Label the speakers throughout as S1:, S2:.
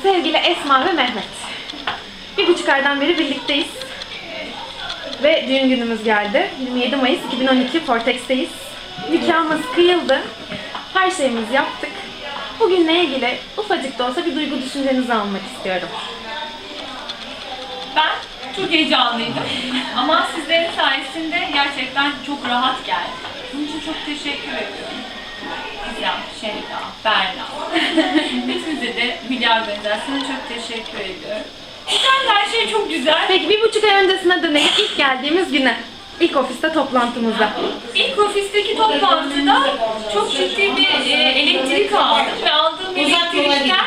S1: Sevgili Esma ve Mehmet. 1,5 aydan beri birlikteyiz. Ve düğün günümüz geldi. 27 Mayıs 2012 Portex'teyiz. Nikahımız kıyıldı. Her şeyimizi yaptık. Bugünle ilgili ufacık da olsa bir duygu düşüncenizi almak istiyorum.
S2: Ben çok heyecanlıydım ama sizlerin sayesinde gerçekten çok rahat geldi. Bunun için çok teşekkür ediyorum. Gizem, Şeyda, Berna. Hepinize de Hülya Organizasyon'a çok teşekkür ediyorum. Güzel, her şey çok güzel.
S1: Peki 1,5 ay öncesine dönelim, ilk geldiğimiz güne. İlk ofiste toplantımızda.
S2: İlk ofisteki toplantıda çok ciddi bir elektrik aldım ve aldığım elektrikten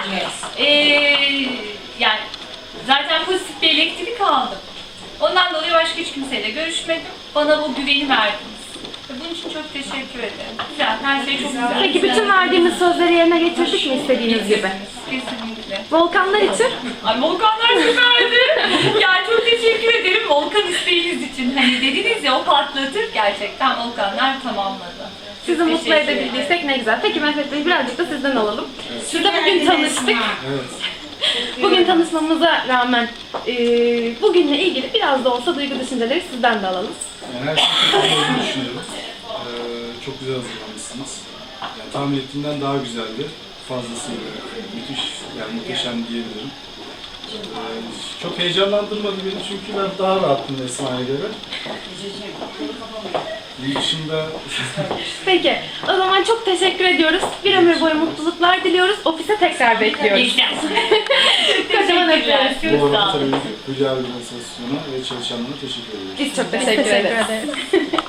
S2: yani zaten pozitif bir elektrik aldım. Ondan dolayı başka hiç kimseyle görüşmedim. Bana bu güveni verdiniz. Ve bunun için çok teşekkür ederim. Güzel, her şey çok güzel.
S1: Peki bütün verdiğimiz sözleri yerine getirdik mi istediğiniz gibi?
S2: Kesinlikle.
S1: Volkanlar için?
S2: Ay Volkanlar süperdi. Yani çok teşekkür ederim Volkan isteğiniz için. Hani dediniz ya o patlatır, gerçekten Volkanlar tamamladı.
S1: Sizi
S2: Çok
S1: mutlu
S2: teşekkür
S1: edebildiysek
S2: ederim.
S1: ne güzel. Peki Mehmet Bey, birazcık da sizden alalım. Şurada bugün tanıştık.
S3: Evet.
S1: Bugün tanışmamıza rağmen bugünle ilgili biraz da olsa duygu düşünceleri sizden de alalım.
S3: Yani her şey çok güzel olduğunu düşünüyorum. Çok güzel hazırlanmışsınız. Yani tahmin ettiğimden daha güzeldi. Fazlasıyla müthiş, yani muhteşem diyebilirim. Çok heyecanlandırmadı beni çünkü ben daha rahattım Esma'ya göre. Bunun dışında...
S1: Peki, o zaman çok teşekkür ediyoruz. Bir ömür boyu mutluluklar diliyoruz. Ofise tekrar bekliyoruz. Kocaman öpüyoruz.
S3: Bu arada tabii Hülya Organizasyon'a ve çalışanlarına teşekkür ediyoruz.
S1: Biz çok teşekkür ederiz.